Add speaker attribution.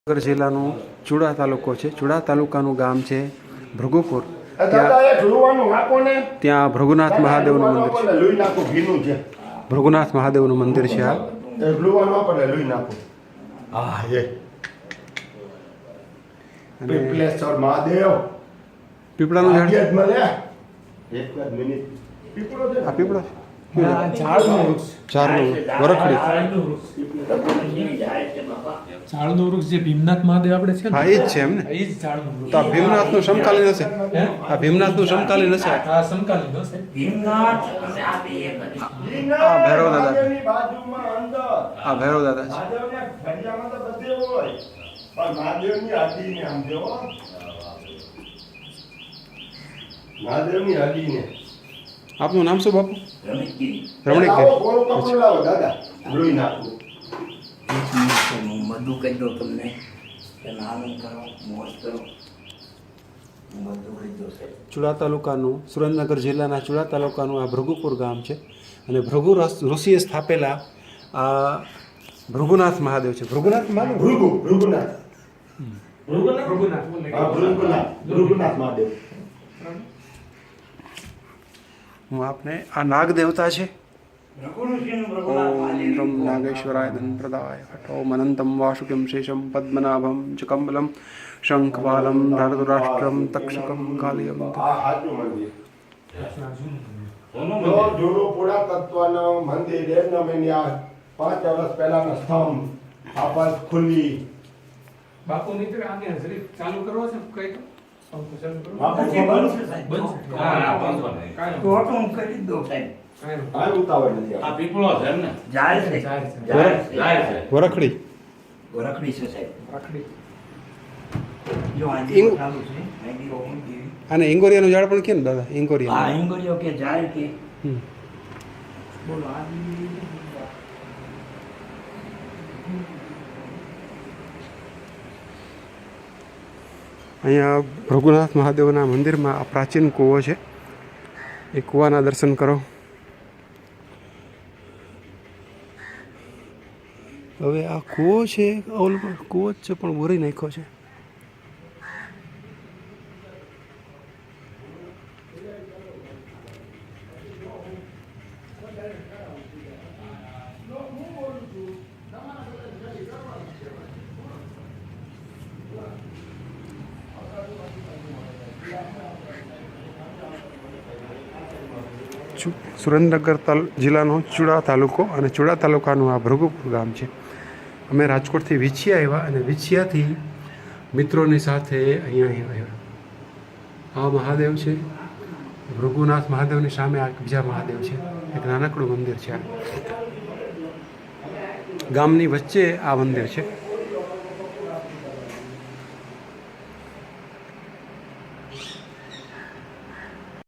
Speaker 1: સુરેન્દ્રનગર જિલ્લાનો ચુડા તાલુકો છે. ચુડા તાલુકાનું ગામ છે ભૃગુપુર. ત્યાં ભૃગુનાથ મહાદેવનું મંદિર છે. ભૃગુનાથ મહાદેવનું મંદિર છે. પીપળાનું ઝાડ આ પીપળો
Speaker 2: ઝાડનું વૃક્ષ જે ભીમનાથ મહાદેવ આપણે છે ને,
Speaker 1: હા એ જ છે એમ ને.
Speaker 2: એ જ ઝાડનું વૃક્ષ.
Speaker 1: તો આ ભીમનાથનું સમકાલીન હશે. આ ભીમનાથનું સમકાલીન હશે.
Speaker 2: આ સમકાલીન હશે.
Speaker 3: ભીમનાથ અને આ બે એક જ.
Speaker 1: આ ભૈરવ દાદા આ ભૈરવ દાદા છે. આપનું નામ શું બાપુ?
Speaker 3: રમણીકગીરી.
Speaker 1: રમણીકગીરી.
Speaker 3: હું બધું કહી દઉં તમને કે નાનું કરો, મોજ કરો. હું બધું કહી દઉં સાહેબ.
Speaker 1: ચુડા તાલુકાનું સુરેન્દ્રનગર જિલ્લાના ચુડા તાલુકાનું આ ભૃગુપુર ગામ છે. અને ભૃગુ ઋષિએ સ્થાપેલા આ ભૃગુનાથ મહાદેવ છે. ભૃગુનાથ મહાદેવ હું આપને આ નાગ દેવતા છે. ઓમ નાગેશ્વરાય ધનપ્રદાય ઓમ અનંતમ વાસુકિમ શેષમ પદ્મનાભમ ચ કમલમ શંખપાલમ ધારધુરાષ્ટ્રમ તક્ષકમ કાલિયમ.
Speaker 4: જૂનું પુરાતત્વનો મંદિર 5 વર્ષ પહેલાનો સ્તંભ આપસ ખુલ્લી.
Speaker 2: બાપુ મિત્ર આને જરીક ચાલુ કરવો છે કઈ તો પંખો ચાલુ કરવો.
Speaker 3: પછી બંધ છે સાહેબ.
Speaker 2: બંધ છે.
Speaker 3: હા, બંધ છે.
Speaker 2: કાંઈ
Speaker 3: તો તો હું કરી જ દઉં સાહેબ.
Speaker 4: આ ઉતાવળ નથી.
Speaker 5: આ પીપળો છે એમ ને?
Speaker 3: જાય છે.
Speaker 2: જાય છે.
Speaker 3: જાય છે.
Speaker 5: જાય છે.
Speaker 1: વરખડી
Speaker 3: ગોરખડી છે સાહેબ.
Speaker 2: આખડી.
Speaker 3: જો આ
Speaker 1: ઇંગ-
Speaker 3: દીવો ચાલુ છે. આ દીવો મૂકી દેવી.
Speaker 1: અને ઇંગોરિયાનું ઝાડ પણ કે ને દાદા
Speaker 3: હા,
Speaker 1: ઇંગોરિયા.
Speaker 3: હિંગોળીઓ કે જાય કે
Speaker 1: હમ.
Speaker 3: બોલો આ
Speaker 1: અહીંયા ભૃગુનાથ મહાદેવના મંદિરમાં આ પ્રાચીન કૂવો છે. એ કૂવાના દર્શન કરો. હવે આ કૂવો છે ઓલ કૂવો જ છે પણ બોરી નાખ્યો છે. સુરેન્દ્રનગર જિલ્લાનો ચુડા તાલુકો અને ચુડા તાલુકાનું આ ભૃગુપુર ગામ છે. અમે રાજકોટથી વિછિયા આવ્યા અને વિછિયાથી મિત્રોની સાથે અહીંયા આવ્યા. આ મહાદેવ છે ભૃગુનાથ મહાદેવની સામે આ બીજા મહાદેવ છે. એક નાનકડું મંદિર છે. આ ગામની વચ્ચે આ મંદિર છે.